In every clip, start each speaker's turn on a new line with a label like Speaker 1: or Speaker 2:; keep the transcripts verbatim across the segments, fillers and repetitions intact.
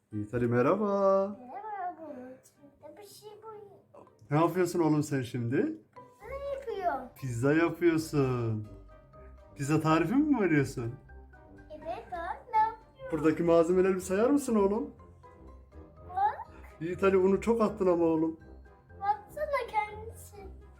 Speaker 1: Yiğit Ali merhaba.
Speaker 2: Merhaba Bulut. Bir şey bu.
Speaker 1: Ne yapıyorsun oğlum sen şimdi?
Speaker 2: Ne yapıyor?
Speaker 1: Pizza yapıyorsun. Pizza tarifi mi veriyorsun?
Speaker 2: Evet bak ne yapıyor?
Speaker 1: Buradaki malzemeleri bir sayar mısın oğlum?
Speaker 2: Bak.
Speaker 1: Yiğit Ali unu çok attın ama oğlum.
Speaker 2: Baksana kendisi.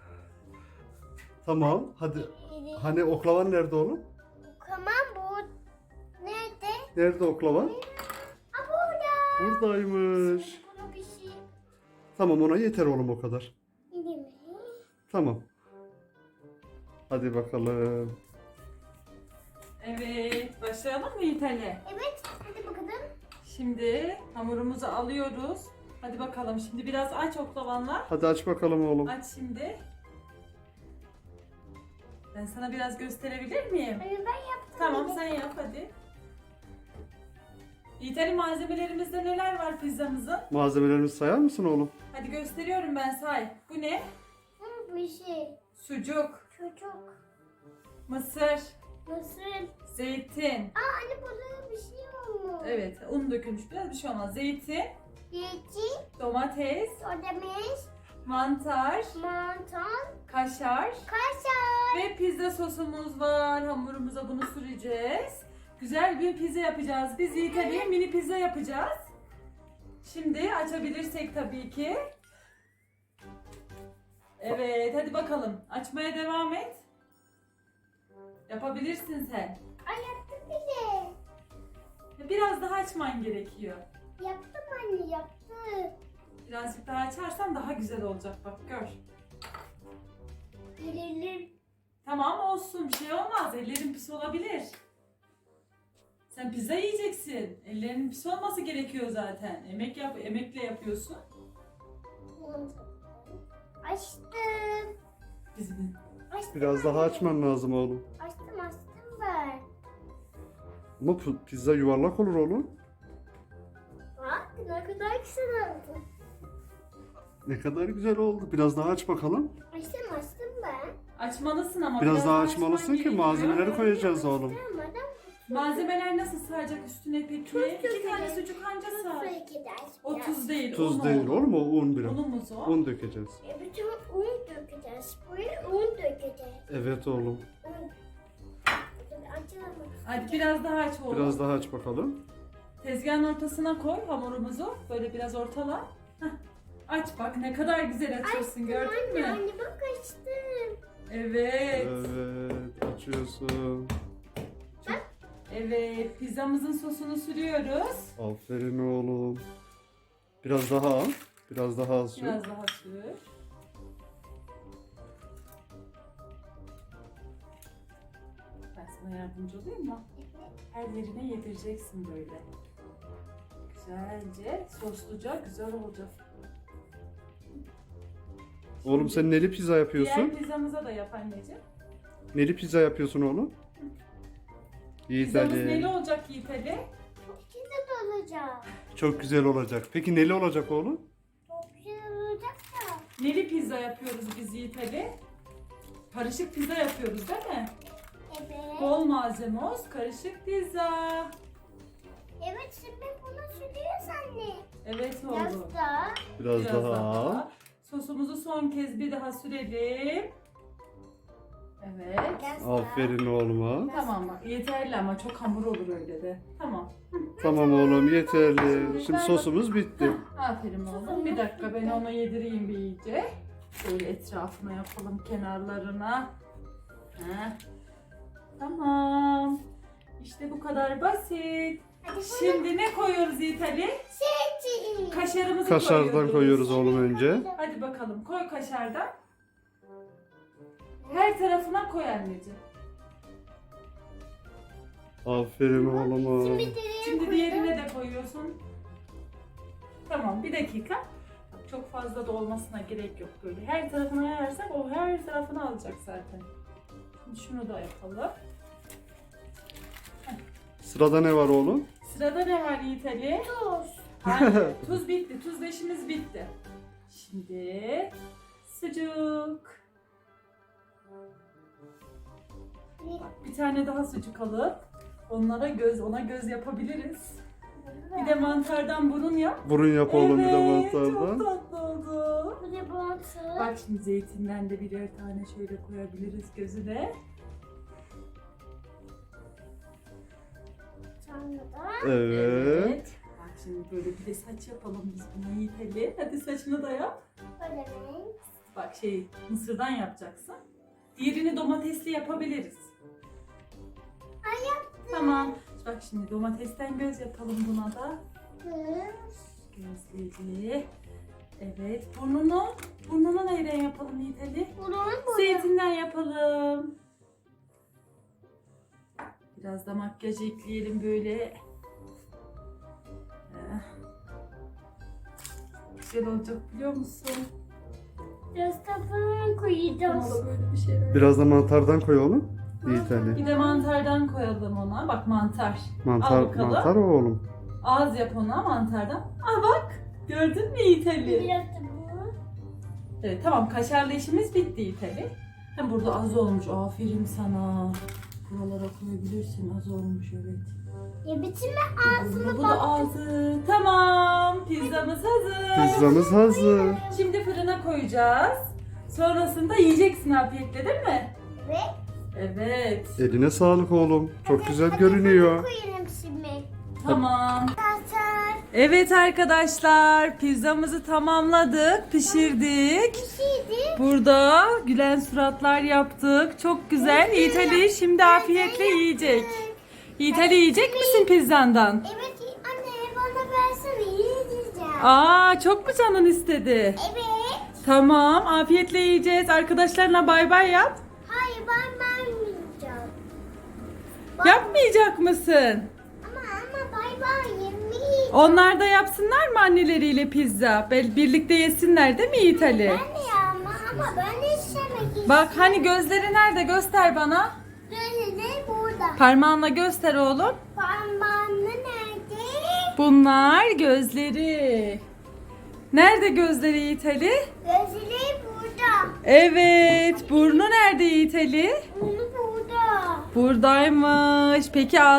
Speaker 1: Tamam hadi. Hani oklavan nerede oğlum?
Speaker 2: Tamam bu. Nerede?
Speaker 1: Nerede oklavan?
Speaker 2: Aa burada.
Speaker 1: Buradaymış.
Speaker 2: Bunu bir şey.
Speaker 1: Tamam ona yeter oğlum o kadar.
Speaker 2: Değil mi?
Speaker 1: Tamam. Hadi bakalım.
Speaker 3: Evet, başlayalım mı Yiğit Ali?
Speaker 2: Evet. Hadi bakalım.
Speaker 3: Şimdi hamurumuzu alıyoruz. Hadi bakalım. Şimdi biraz aç oklavanla.
Speaker 1: Hadi aç bakalım oğlum.
Speaker 3: Aç şimdi. Ben sana biraz gösterebilir miyim?
Speaker 2: Hayır ben yaptım.
Speaker 3: Tamam
Speaker 2: bile.
Speaker 3: sen yap hadi. Yiğit Ali, malzemelerimizde neler var pizzamızın?
Speaker 1: Malzemelerimizi sayar mısın oğlum?
Speaker 3: Hadi gösteriyorum ben, say. Bu ne?
Speaker 2: Hı, bir şey.
Speaker 3: Sucuk,
Speaker 2: Çocuk.
Speaker 3: mısır,
Speaker 2: Nasıl?
Speaker 3: zeytin.
Speaker 2: Aa anne burada bir şey olmuş.
Speaker 3: Evet, un dökülmüş biraz, bir şey olmaz. Zeytin,
Speaker 2: Yeci.
Speaker 3: domates,
Speaker 2: Ödemiş.
Speaker 3: mantar,
Speaker 2: Mantar.
Speaker 3: kaşar.
Speaker 2: Kaşar.
Speaker 3: Ve pizza sosumuz var. Hamurumuza bunu süreceğiz. Güzel bir pizza yapacağız. Biz Yiğit Ali'ye mini pizza yapacağız. Şimdi açabilirsek tabii ki. Evet, hadi bakalım. Açmaya devam et. Yapabilirsin sen.
Speaker 2: Ay yaptım bile.
Speaker 3: Biraz daha açman gerekiyor.
Speaker 2: Yaptım anne yaptım.
Speaker 3: Birazcık daha açarsan daha güzel olacak, bak gör.
Speaker 2: Gelelim.
Speaker 3: Tamam olsun, bir şey olmaz. Ellerin pis olabilir. Sen pizza yiyeceksin. Ellerinin pis olması gerekiyor zaten. Emek yap, emekle yapıyorsun.
Speaker 2: Açtım.
Speaker 3: Bizim.
Speaker 2: Açtım
Speaker 1: Biraz daha
Speaker 2: anne.
Speaker 1: açman lazım oğlum.
Speaker 2: Açtım açtım ben.
Speaker 1: Ama pu- pizza yuvarlak olur oğlum.
Speaker 2: Bak ne kadar güzel oldu.
Speaker 1: Ne kadar güzel oldu. Biraz daha aç bakalım.
Speaker 2: Açtım açtım ben.
Speaker 3: Açmalısın ama
Speaker 1: Biraz daha
Speaker 3: açman
Speaker 1: açmalısın ki
Speaker 3: gerekiyor.
Speaker 1: malzemeleri koyacağız oğlum.
Speaker 2: Açtırmadan
Speaker 3: Malzemeler nasıl sığacak üstüne peki?
Speaker 2: Tuz
Speaker 3: İki tane
Speaker 2: dökeceğiz.
Speaker 3: sucuk anca
Speaker 2: tuz
Speaker 3: sığar.
Speaker 2: dökeceğiz.
Speaker 3: O tuz değil,
Speaker 1: Tuz
Speaker 3: un
Speaker 1: değil
Speaker 3: o.
Speaker 1: oğlum o un biraz.
Speaker 3: Unumuz o.
Speaker 1: Un dökeceğiz.
Speaker 2: E, bütün un dökeceğiz. Buraya un dökeceğiz.
Speaker 1: Evet oğlum.
Speaker 2: Un. Açalım.
Speaker 3: Hadi biraz daha aç oğlum.
Speaker 1: Biraz daha aç bakalım.
Speaker 3: Tezgahın ortasına koy hamurumuzu. Böyle biraz ortala. Heh. Aç bak, ne kadar güzel açıyorsun, gördün
Speaker 2: Anne
Speaker 3: mü?
Speaker 2: anne bak açtım.
Speaker 3: Evet.
Speaker 1: Evet açıyorsun.
Speaker 3: Evet, pizzamızın sosunu sürüyoruz.
Speaker 1: Aferin oğlum. Biraz daha al. Biraz daha az sür.
Speaker 3: Biraz daha sür. Ben sana yardımcı olayım mı? Her yerine yedireceksin böyle. Güzelce, sosluca, güzel olacak.
Speaker 1: Oğlum sen neli pizza yapıyorsun?
Speaker 3: Diğer pizzamıza da yap anneciğim.
Speaker 1: Neli pizza yapıyorsun oğlum? Yiğit
Speaker 3: Pizzamız neli
Speaker 1: Ali.
Speaker 3: olacak Yiğit Ali?
Speaker 2: İçinde de olacak.
Speaker 1: Çok güzel olacak. Peki neli olacak oğlum?
Speaker 2: Çok güzel olacak da.
Speaker 3: Neli pizza yapıyoruz biz Yiğit Ali. Karışık pizza yapıyoruz değil mi?
Speaker 2: Evet.
Speaker 3: Bol malzeme olsun, karışık pizza.
Speaker 2: Evet şimdi bunu sürüyoruz anne.
Speaker 3: Evet
Speaker 2: Biraz
Speaker 3: oğlum.
Speaker 2: da.
Speaker 1: Biraz, daha. al.
Speaker 3: Sosumuzu son kez bir daha sürelim. Evet.
Speaker 2: Biraz daha.
Speaker 1: Aferin oğluma.
Speaker 3: Tamam bak, yeterli ama çok hamur olur öyle de. Tamam.
Speaker 1: Tamam oğlum yeterli. Şimdi sosumuz bitti.
Speaker 3: Aferin oğlum. Bir dakika ben onu yedireyim bir iyice. Şöyle etrafına yapalım, kenarlarına. Heh. Tamam. İşte bu kadar basit.
Speaker 2: Hadi bunu
Speaker 3: Şimdi ne koyuyoruz Yiğit Ali?
Speaker 2: seçin.
Speaker 3: Kaşarımızı
Speaker 1: Kaşardan
Speaker 3: koyuyoruz.
Speaker 1: koyuyoruz oğlum önce.
Speaker 3: Hadi bakalım, koy kaşardan. Her tarafına koy anneciğim.
Speaker 1: Aferin oğluma.
Speaker 2: Şimdi diğerini
Speaker 3: Şimdi
Speaker 2: koydum.
Speaker 3: diğerine de koyuyorsun. Tamam, bir dakika. Bak, çok fazla da olmasına gerek yok böyle. Her tarafına yayarsak o her tarafını alacak zaten. Şimdi şunu da yapalım.
Speaker 1: Sırada ne var oğlum?
Speaker 3: Sırada ne var Yiğit Ali?
Speaker 2: Tuz.
Speaker 3: Hayır, tuz bitti. Tuz işimiz bitti. Şimdi sucuk. Bak, bir tane daha sucuk alıp onlara göz, ona göz yapabiliriz. Bir de mantardan burun yap.
Speaker 1: Burun yap oğlum bir de
Speaker 3: Evet, çok
Speaker 1: mantardan.
Speaker 3: tatlı oldu.
Speaker 2: Bu da bantı.
Speaker 3: Bak şimdi zeytinden de birer tane şöyle koyabiliriz gözüne.
Speaker 2: Sonra da
Speaker 1: Evet.
Speaker 3: Bak şimdi böyle bir de saç yapalım biz buna Yiğit Ali. Hadi saçını da yap.
Speaker 2: böyle renk.
Speaker 3: Bak şey mısırdan yapacaksın. Diğerini domatesli yapabiliriz.
Speaker 2: Ay yaptım.
Speaker 3: Tamam. Bak şimdi domatesten göz yapalım buna da.
Speaker 2: Kız.
Speaker 3: Gözleri. Evet. Burnunu. Burnunu neyden yapalım Yiğit Ali?
Speaker 2: Bunun bu.
Speaker 3: Zeytinden yapalım. Biraz da makyaj ekleyelim böyle. Eh. Güzel olacak biliyor musun?
Speaker 2: Biraz da falan koyacağız.
Speaker 3: Bana da böyle bir şeyler.
Speaker 1: Biraz da mantardan koy oğlum. Yiğit Ali.
Speaker 3: Bir de mantardan koyalım ona. Bak mantar.
Speaker 1: Mantar,
Speaker 3: Al bakalım.
Speaker 1: mantar o oğlum.
Speaker 3: Ağız yap ona mantardan. Aa bak. Gördün mü Yiğit Ali?
Speaker 2: Biraz da bu.
Speaker 3: Evet tamam kaşarlı işimiz bitti Yiğit Ali. Hem burada az olmuş. Aferin sana. Buralara koyabilirsin. Az olmuş evet.
Speaker 2: Ya bitirme ağzını
Speaker 3: Bu da ağzı. Tamam. Pizzamız hazır.
Speaker 1: Pizzamız hazır.
Speaker 3: Şimdi fırına koyacağız. Sonrasında yiyeceksin afiyetle değil mi?
Speaker 2: Evet.
Speaker 3: Evet.
Speaker 1: Eline sağlık oğlum. Çok güzel görünüyor.
Speaker 2: Koyalım şimdi.
Speaker 3: Tamam.
Speaker 2: Arkadaşlar.
Speaker 3: Evet arkadaşlar pizzamızı tamamladık, pişirdik.
Speaker 2: Bir şeydi.
Speaker 3: Burada gülen suratlar yaptık. Çok güzel. Yiğit Ali şimdi afiyetle yiyecek. Yiğit Ali yiyecek misin pizzandan?
Speaker 2: Evet anne bana versene yiyeceğim.
Speaker 3: Aa çok mu canın istedi?
Speaker 2: Evet.
Speaker 3: Tamam afiyetle yiyeceğiz. Arkadaşlarına bay bay yap.
Speaker 2: Hayır ben vermeyeceğim.
Speaker 3: Yapmayacak mısın?
Speaker 2: Ama ama bay bay yemeği.
Speaker 3: Onlar da yapsınlar mı anneleriyle pizza? Bel- Birlikte yesinler değil mi Yiğit Ali?
Speaker 2: Ben de ya ama, ama ben de istemek istiyorum.
Speaker 3: Bak hani gözleri nerede göster bana.
Speaker 2: Böyle de burada.
Speaker 3: Parmağınla göster oğlum.
Speaker 2: Parmağını nerede?
Speaker 3: Bunlar gözleri. Nerede gözleri Yiğit Ali?
Speaker 2: Gözleri burada.
Speaker 3: Evet. Burnu nerede Yiğit Ali?
Speaker 2: Bunu burada.
Speaker 3: Buradaymış. Peki